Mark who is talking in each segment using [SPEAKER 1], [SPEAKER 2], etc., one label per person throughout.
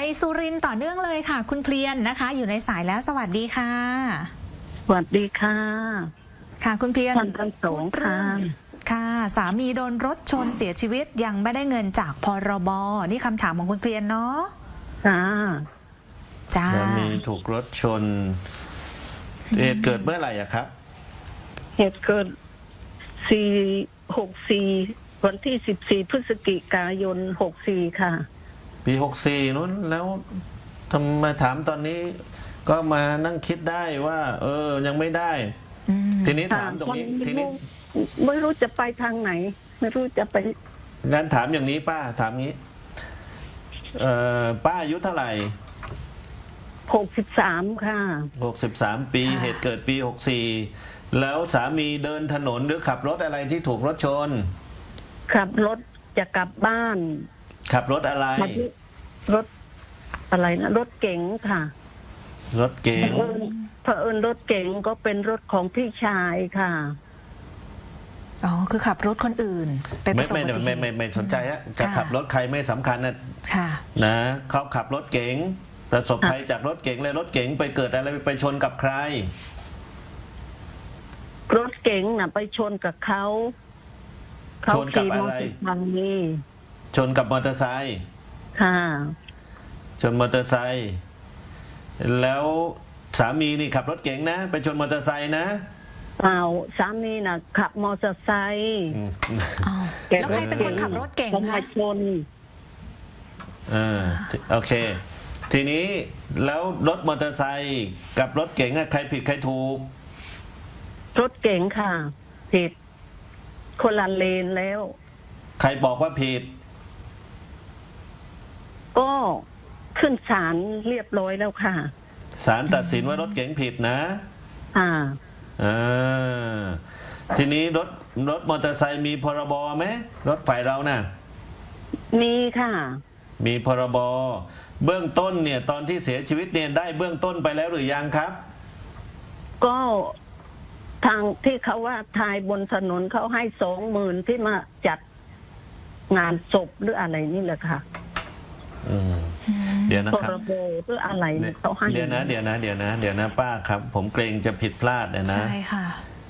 [SPEAKER 1] สุรินทร์ต่อเนื่องเลยค่ะ คุณเพลียนนะคะ อยู่ในสายแล้วสวัสดีค่ะ
[SPEAKER 2] สวัสดีค่ะ
[SPEAKER 1] ค่ะคุณเพลียน
[SPEAKER 2] ท่านทั้งสองค่ะ
[SPEAKER 1] ค่ะสามีโดนรถชนเสียชีวิตยังไม่ได้เงินจากพรบนี่คำถามของคุณเพลียนเนาะ
[SPEAKER 2] ค่ะ
[SPEAKER 1] จ้า
[SPEAKER 3] สามีถูกรถชนเหตุเกิดเมื่อไหร่อะครับ
[SPEAKER 2] เหตุเกิด64วันที่14พฤศจิกายน64ค่ะ
[SPEAKER 3] ปี64นู้นแล้วทำไมถามตอนนี้ ก็มานั่งคิดได้ว่า ยังไม่ได้ ทีนี้ถามตรงนี้ทีนี้
[SPEAKER 2] ไม่รู้จะไปทางไหน ไม่รู้จะไป
[SPEAKER 3] งั้นถามอย่างนี้ป้าถามงี้ป้าอายุเท่าไหร่
[SPEAKER 2] 63ค่ะ
[SPEAKER 3] 63 ปีเหตุเกิดปี64แล้วสามีเดินถนนหรือขับรถอะไรที่ถูกรถชน
[SPEAKER 2] ขับรถจะกลับบ้าน
[SPEAKER 3] ขับรถอะไร
[SPEAKER 2] รถอะไรนะรถเก๋งค่ะ
[SPEAKER 3] รถเก๋ง
[SPEAKER 2] เผอิญรถเก๋งก็เป็นรถของพี่ชายค่ะ
[SPEAKER 1] อ๋อคือขับรถคนอื่นไปประสบอุบัติเหตุ
[SPEAKER 3] ไม่สนใจฮะจะขับรถใครไม่สำคัญนะเขาขับรถเก๋งประสบภัยจากรถเก๋งเลยรถเก๋งไปเกิดอะไรไปชนกับใคร
[SPEAKER 2] รถเก๋งน่ะไปชนกับเขา
[SPEAKER 3] ชนกับอะไรชนกับมอเตอร์ไซค์
[SPEAKER 2] ค่ะ
[SPEAKER 3] ชนมอเตอร์ไซค์แล้วสามีนี่ขับรถเก๋งนะไปชนมอเตอร์ไซค์นะ
[SPEAKER 2] เปล่าสามีน่ะขับมอเตอร์ไซค์
[SPEAKER 1] แล้วใครเป็นคนขับรถเก๋ง
[SPEAKER 2] คะชน
[SPEAKER 3] โอเคทีนี้แล้วรถมอเตอร์ไซค์กับรถเก๋งใครผิดใครถูก
[SPEAKER 2] รถเก๋งค่ะผิดคนละเลนแล้ว
[SPEAKER 3] ใครบอกว่าผิด
[SPEAKER 2] ก็ขึ้นศาลเรียบร้อยแล้วค่ะ
[SPEAKER 3] ศาลตัดสินว่ารถเก๋งผิดนะทีนี้รถมอเตอร์ไซค์มีพรบไหมรถฝ่ายเราน่ะ
[SPEAKER 2] มีค่ะ
[SPEAKER 3] มีพรบเบื้องต้นเนี่ยตอนที่เสียชีวิตเนี่ยได้เบื้องต้นไปแล้วหรือยังครับ
[SPEAKER 2] ก็ทางที่เขาว่าทายบนถนนเขาให้20,000ที่มาจัดงานศพหรืออะไรนี่แหละค่ะ
[SPEAKER 3] เดี๋ยวนะครับ
[SPEAKER 2] พรบหรืออะไรเขาให้
[SPEAKER 3] เดี๋ยวนะป้าครับผมเกรงจะผิดพลาดนะ
[SPEAKER 1] ใช่ค่ะ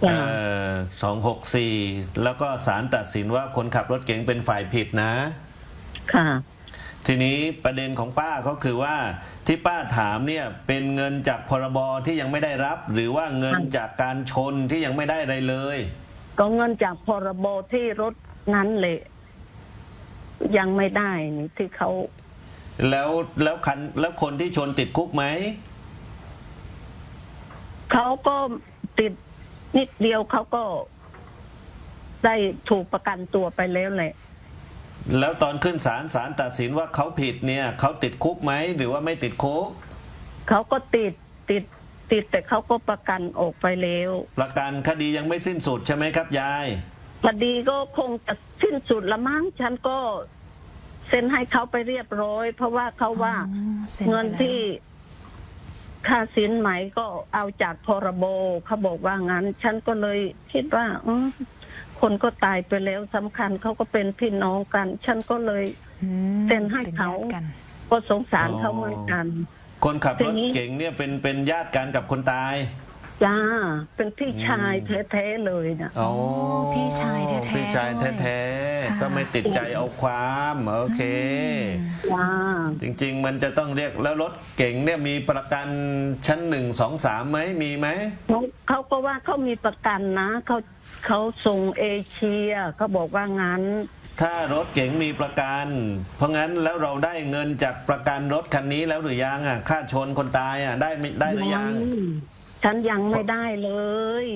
[SPEAKER 3] 264แล้วก็ศาลตัดสินว่าคนขับรถเก๋งเป็นฝ่ายผิดนะ
[SPEAKER 2] ค่ะ
[SPEAKER 3] ทีนี้ประเด็นของป้าก็คือว่าที่ป้าถามเนี่ยเป็นเงินจากพรบที่ยังไม่ได้รับหรือว่าเงินจากการชนที่ยังไม่ได้อะไรเลย
[SPEAKER 2] ก็เงินจากพรบที่รถนั้นเลยยังไม่ได้นี่ที่เขา
[SPEAKER 3] แล้วคนที่ชนติดคุกไหม
[SPEAKER 2] เขาก็ติดนิดเดียวเขาก็ได้ถูกประกันตัวไปแล้วแหละ
[SPEAKER 3] แล้วตอนขึ้นศาลตัดสินว่าเขาผิดเนี่ยเขาติดคุกไหมหรือว่าไม่ติดคุก
[SPEAKER 2] เขาก็ติดแต่เขาก็ประกันออกไปแล้ว
[SPEAKER 3] ประกันคดียังไม่สิ้นสุดใช่ไหมครับยาย
[SPEAKER 2] คดีก็คงจะสิ้นสุดละมั้งฉันก็เซ็นให้เขาไปเรียบร้อยเพราะว่าเขาว่าเงินที่ค่าสินไหมก็เอาจากพรบเขาบอกว่างั้นฉันก็เลยคิดว่าคนก็ตายไปแล้วสำคัญเขาก็เป็นพี่น้องกันฉันก็เลยเซ็นให้เขาก็สงสารเขาเหมือนกัน
[SPEAKER 3] คนขับรถเก่งเนี่ยเป็นญาติกันกับคนตาย
[SPEAKER 2] จ้าเป็นพี่ชายแท้ๆเลยนะ
[SPEAKER 1] โอ้พี่ชายแท้ๆ
[SPEAKER 3] พี่ชายแท้ๆก็ไม่ติดใจเอาความโอเคจริงๆมันจะต้องเรียกแล้วรถเก่งเนี่ยมีประกันชั้น1 2 3ไหมมีไหม
[SPEAKER 2] เขาก็ว่าเขามีประกันนะเขาส่งเอเชียเขาบอกว่างั้น
[SPEAKER 3] ถ้ารถเก๋งมีประกันเพราะงั้นแล้วเราได้เงินจากประกันรถคันนี้แล้วหรือยังค่าชนคนตายได้หรือยัง
[SPEAKER 2] ฉันยังไม่ได้เลย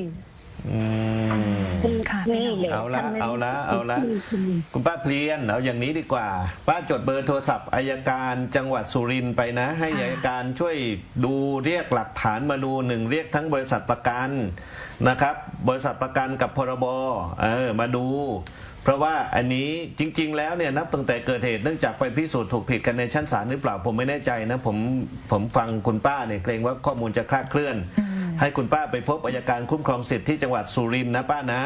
[SPEAKER 3] เอาละคุณป้าเพลียนเอาอย่างนี้ดีกว่าป้าจดเบอร์โทรศัพท์อัยการจังหวัดสุรินทร์ไปนะให้อัยการช่วยดูเรียกหลักฐานมาดูเรียกทั้งบริษัทประกันนะครับบริษัทประกันกับพรบมาดูเพราะว่าอันนี้จริงๆแล้วเนี่ยนับตั้งแต่เกิดเหตุเนื่องจากไปพิสูจน์ถูกผิดกันในชั้นศาลหรือเปล่าผมไม่แน่ใจนะผมฟังคุณป้าเนี่ยเกรงว่าข้อมูลจะคลาดเคลื่อนให้คุณป้าไปพบอัยการคุ้มครองสิทธิ์ที่จังหวัดสุรินทร์นะป้านะ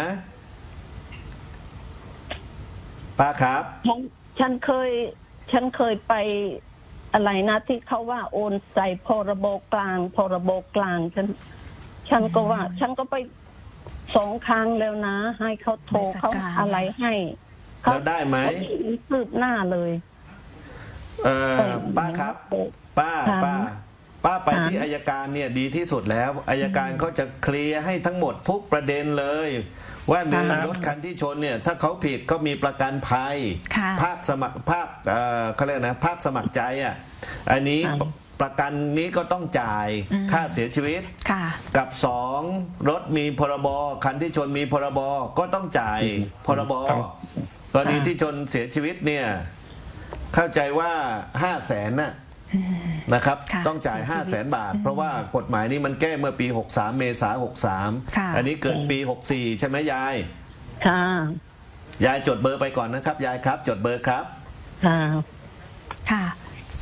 [SPEAKER 3] ป้าครับ
[SPEAKER 2] ฉันเคยไปอะไรนะที่เขาว่าโอนใส่พรบกลางพรบกลางฉันก็ว่า ฉันก็ไป2 ครั้งแล้วนะ ให้เขาโทรเขาอะไรให้
[SPEAKER 3] แล้วได้ไหม
[SPEAKER 2] เขาไม่คืบหน้าเลย
[SPEAKER 3] ป้าครับ ป้า
[SPEAKER 2] ค่ะ
[SPEAKER 3] ป้าไป
[SPEAKER 2] ค่ะ
[SPEAKER 3] ที่อัยการเนี่ยดีที่สุดแล้วอัยการเขาจะเคลียร์ให้ทั้งหมดทุกประเด็นเลย ว่าหนึ่ง
[SPEAKER 2] ค่ะ
[SPEAKER 3] รถคันที่ชนเนี่ยถ้าเขาผิดก็มีประกันภัย
[SPEAKER 1] ค่ะ
[SPEAKER 3] ภาคสมัครภาคเขาเรียกนะภาคสมัครใจอ่ะอันนี้ประกันนี้ก็ต้องจ่ายค่าเสียชีวิต
[SPEAKER 1] ค่ะ
[SPEAKER 3] กับ2รถมีพรบคันที่ชนมีพรบก็ต้องจ่ายพรบกรณีที่ชนเสียชีวิตเนี่ยเข้าใจว่า500,000นะครับ
[SPEAKER 1] ค่ะ
[SPEAKER 3] ต้องจ่าย
[SPEAKER 1] เสียชีวิต
[SPEAKER 3] 500,000 บาท เพราะว่ากฎหมายนี้มันแก้เมื่อปี 63 เมษายน
[SPEAKER 1] ค่ะ
[SPEAKER 3] 63 อันนี้เกิดปี 64 ใช่ไหมยาย
[SPEAKER 2] ค่ะ
[SPEAKER 3] ยายจดเบอร์ไปก่อนนะครับยายครับ จดเบอร์ครับ
[SPEAKER 2] ค่ะ
[SPEAKER 1] ค่ะ 044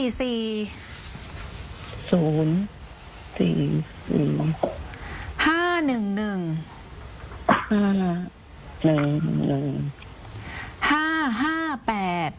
[SPEAKER 2] 044
[SPEAKER 1] 511
[SPEAKER 2] 511
[SPEAKER 1] 558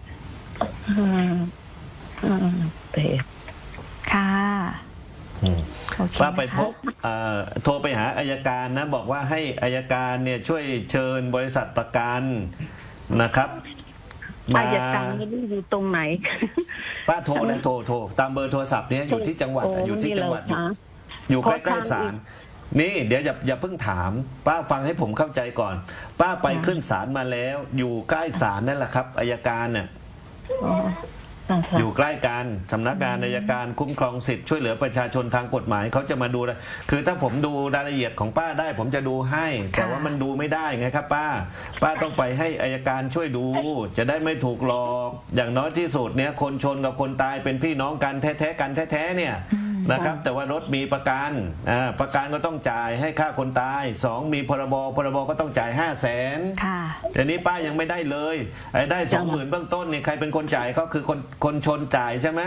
[SPEAKER 2] 558
[SPEAKER 1] ค่ะโอเค
[SPEAKER 3] ป้าไป
[SPEAKER 1] นะคะ
[SPEAKER 3] พบโทรไปหาอายการนะบอกว่าให้อายการเนี่ยช่วยเชิญบริษัทประกันนะครับ
[SPEAKER 2] อายการไม่ได้อยู่ตรงไหน
[SPEAKER 3] ป้าโทรเลยโทรตามเบอร์โทรศัพท์เนี้ยอยู่ที่จังหวัดอยู่ที่จังหวัด
[SPEAKER 2] โอ้นี่เหรอคะ
[SPEAKER 3] อยู่ใก
[SPEAKER 2] ขอ
[SPEAKER 3] ล้
[SPEAKER 2] ทาง
[SPEAKER 3] ๆศาลนี่เดี๋ยวอย่าเพิ่งถาม ป้าฟังให้ผมเข้าใจก่อน ป้าไปขึ้นศาลมาแล้ว อยู่ใกล้ศาลนั่นแหละครับอายการเนี่ย
[SPEAKER 2] อ๋อค่ะค่ะ
[SPEAKER 3] อยู่ใกล้กันสำนักงานอัยการคุ้มครองสิทธิ์ช่วยเหลือประชาชนทางกฎหมายเขาจะมาดูเลยคือถ้าผมดูรายละเอียดของป้าได้ ผมจะดูให้ แต่ว่ามันดูไม่ได้ไงครับป้าต้องไปให้อัยการช่วยดู จะได้ไม่ถูกหลอกอย่างน้อยที่สุดเนี่ยคนชนกับคนตายเป็นพี่น้องกันแท้ๆกันแท้ๆเนี่ยนะครับ แต่ว่ารถมีประกันประกันก็ต้องจ่ายให้ค่าคนตาย2มีพรบก็ต้องจ่าย500,000
[SPEAKER 1] ค่ะ
[SPEAKER 3] เดี๋ยวนี้ป้ายังไม่ได้เลยไอ้ได้ 20,000เบื้องต้นเนี่ยใครเป็นคนจ่ายก็คือคนชนจ่ายใช่ไหม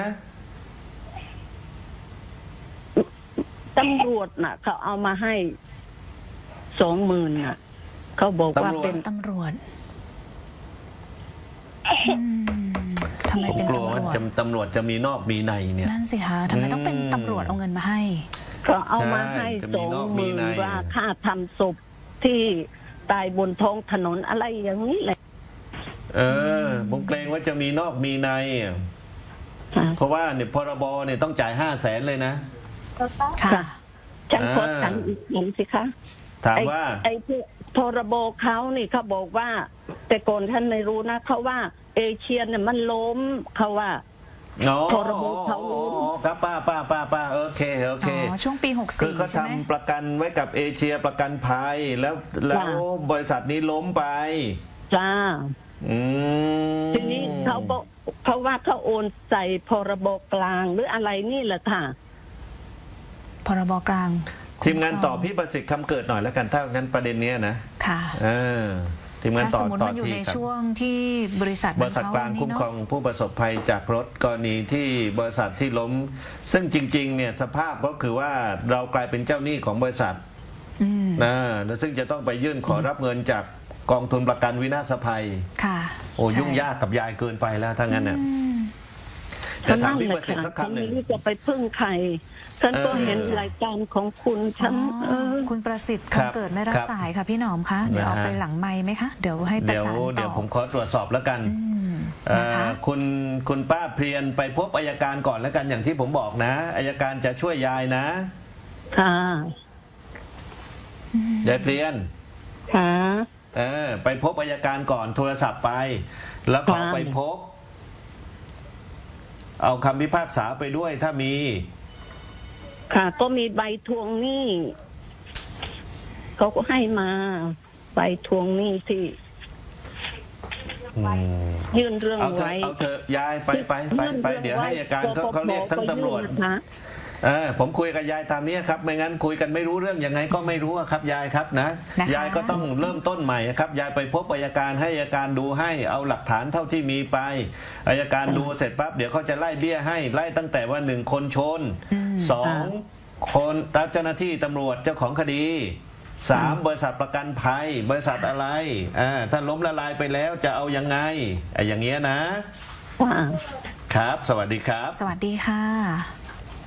[SPEAKER 2] ตำรวจน่ะ เขาเอามาให้20,000น่ะ เขาบอกว่าเป็น
[SPEAKER 1] ตำรวจทำไม
[SPEAKER 3] ผม
[SPEAKER 1] เป็น
[SPEAKER 3] กลัว
[SPEAKER 1] ตำร
[SPEAKER 3] ว่าว
[SPEAKER 1] จ
[SPEAKER 3] ตำรวจจะมีนอกมีในเนี่ย
[SPEAKER 1] นั่นสิคะทำไมต้องเป็นตำรวจเอาเงินมาให้
[SPEAKER 2] เขาเอามาให้
[SPEAKER 3] ใช่จะมีนอกมีใน
[SPEAKER 2] 20,000ว่าค่าทำศพที่ตายบนท้องถนนอะไรอย่างนี้แหละ
[SPEAKER 3] ผมเกรงว่าจะมีนอกมีใน
[SPEAKER 2] ค่ะ
[SPEAKER 3] เพราะว่าเนี่ยพรบเนี่ยต้องจ่าย500,000เลยนะ
[SPEAKER 1] ค่ะ
[SPEAKER 2] ค่ะ ฉันขอถามอีกหนึ่งสิคะ
[SPEAKER 3] ถามว่า
[SPEAKER 2] ไอ้ที่พรบเขานี่เขาบอกว่า แต่ก่อนท่านไม่รู้นะเขาว่าเอเชียเนี่ยมันล้มเขาว่า พรบเขาล้ม
[SPEAKER 3] ครับป้าโอเค
[SPEAKER 1] อ๋อ ช่วงปี
[SPEAKER 3] คือเขา
[SPEAKER 1] 64 ใช่ไหม
[SPEAKER 3] ทำประกันไว้กับเอเชียประกันภัยแล้วบริษัทนี้ล้มไป
[SPEAKER 2] จ้า
[SPEAKER 3] อืม
[SPEAKER 2] ทีนี้เขาว่าเขาโอนใส่พรบกลางหรืออะไรนี่แหละค่ะ
[SPEAKER 1] พรบกลาง
[SPEAKER 3] ทีมงานตอบพี่ประสิทธิ์คำเกิดหน่อยแล้วกันถ้างั้นประเด็นเนี้ยนะ
[SPEAKER 1] ค่ะ
[SPEAKER 3] ทีมงาน
[SPEAKER 1] ถ้า
[SPEAKER 3] ต
[SPEAKER 1] ส
[SPEAKER 3] อ
[SPEAKER 1] ม
[SPEAKER 3] บ
[SPEAKER 1] มติ
[SPEAKER 3] ต่อ
[SPEAKER 1] มันอยู่
[SPEAKER 3] ที
[SPEAKER 1] ใน
[SPEAKER 3] ครับ
[SPEAKER 1] ช่วงที่บริษัท
[SPEAKER 3] บริษัทกลางคุ้มครองผู้ประสบภัยจากรถกรณีที่บริษัทที่ล้ม ซึ่งจริงๆเนี่ยสภาพก็คือว่าเรากลายเป็นเจ้าหนี้ของบริษัท
[SPEAKER 1] อืม
[SPEAKER 3] นะแล้วซึ่งจะต้องไปยื่นขอรับเงินจากกองทุนประกันวินาศภัย
[SPEAKER 1] ค่ะ
[SPEAKER 3] โอ้
[SPEAKER 1] ใช่
[SPEAKER 3] ยุ่งยากกับยายเกินไปแล้วถ้างั้นน่ะ
[SPEAKER 1] อืม
[SPEAKER 3] เดี๋ยวถามพี่ประสิทธิ์สัก
[SPEAKER 2] ฉัน
[SPEAKER 3] คำห
[SPEAKER 2] ไม่
[SPEAKER 3] นึ่ง
[SPEAKER 2] รู้จะไปพึ่งใครฉันก็เห็นรายการของคุณฉัน
[SPEAKER 1] คุณประสิทธิ์
[SPEAKER 3] ครับ
[SPEAKER 1] คำเกิดไม่รับ
[SPEAKER 3] ครับ
[SPEAKER 1] สายค่ะพี่หนอมคะเดี๋ยวเอา
[SPEAKER 3] นะฮะ
[SPEAKER 1] ไปหลังไม้ไหมคะ เดี๋ยวให้ประ
[SPEAKER 3] เดี๋ยว
[SPEAKER 1] สานต่อ
[SPEAKER 3] เดี๋ยวผมขอตรวจสอบแล้วกัน
[SPEAKER 1] นะคะ
[SPEAKER 3] คุณป้าเพรียนไปพบอัยการก่อนแล้วกันอย่างที่ผมบอกนะอัยการจะช่วยยายนะ
[SPEAKER 2] ค่ะ
[SPEAKER 3] ยายเพรียน
[SPEAKER 2] ค่ะ
[SPEAKER 3] ไปพบอัยการก่อนโทรศัพท์ไป แล้วขอ
[SPEAKER 2] ค่ะ
[SPEAKER 3] ไปพบ เอาคำพิพากษาไปด้วยถ้ามี
[SPEAKER 2] ค่ะ ก็มีใบทวงหนี้เขาก็ให้มาใบทวงหนี้ที่ยื่นเรื่อง
[SPEAKER 3] เอาเถอะ
[SPEAKER 2] ไว้
[SPEAKER 3] เอาเถอะยายไปเดี๋ยวให้อัยการเขาเรียกทั้งตำรวจ
[SPEAKER 2] นะคะ
[SPEAKER 3] ผมคุยกับยายตามนี้ครับไม่งั้นคุยกันไม่รู้เรื่องยังไงก็ไม่รู้อะครับยายครับนะ
[SPEAKER 1] นะคะ
[SPEAKER 3] ยายก็ต้องเริ่มต้นใหม่ครับยายไปพบอัยการให้อัยการดูให้เอาหลักฐานเท่าที่มีไปอัยการดูเสร็จปั๊บเดี๋ยวเขาจะไล่เบี้ยให้ไล่ตั้งแต่ว่า1คนชน2คนเจ้าหน้าที่ตำรวจเจ้าของคดี3บริษัทประกันภัยบริษัทอะไรถ้าล้มละลายไปแล้วจะเอายังไงอย่างเงี้ยนะ
[SPEAKER 2] ค่ะ
[SPEAKER 3] คครับ สวัสดีครับ
[SPEAKER 1] สวัสดีค่ะ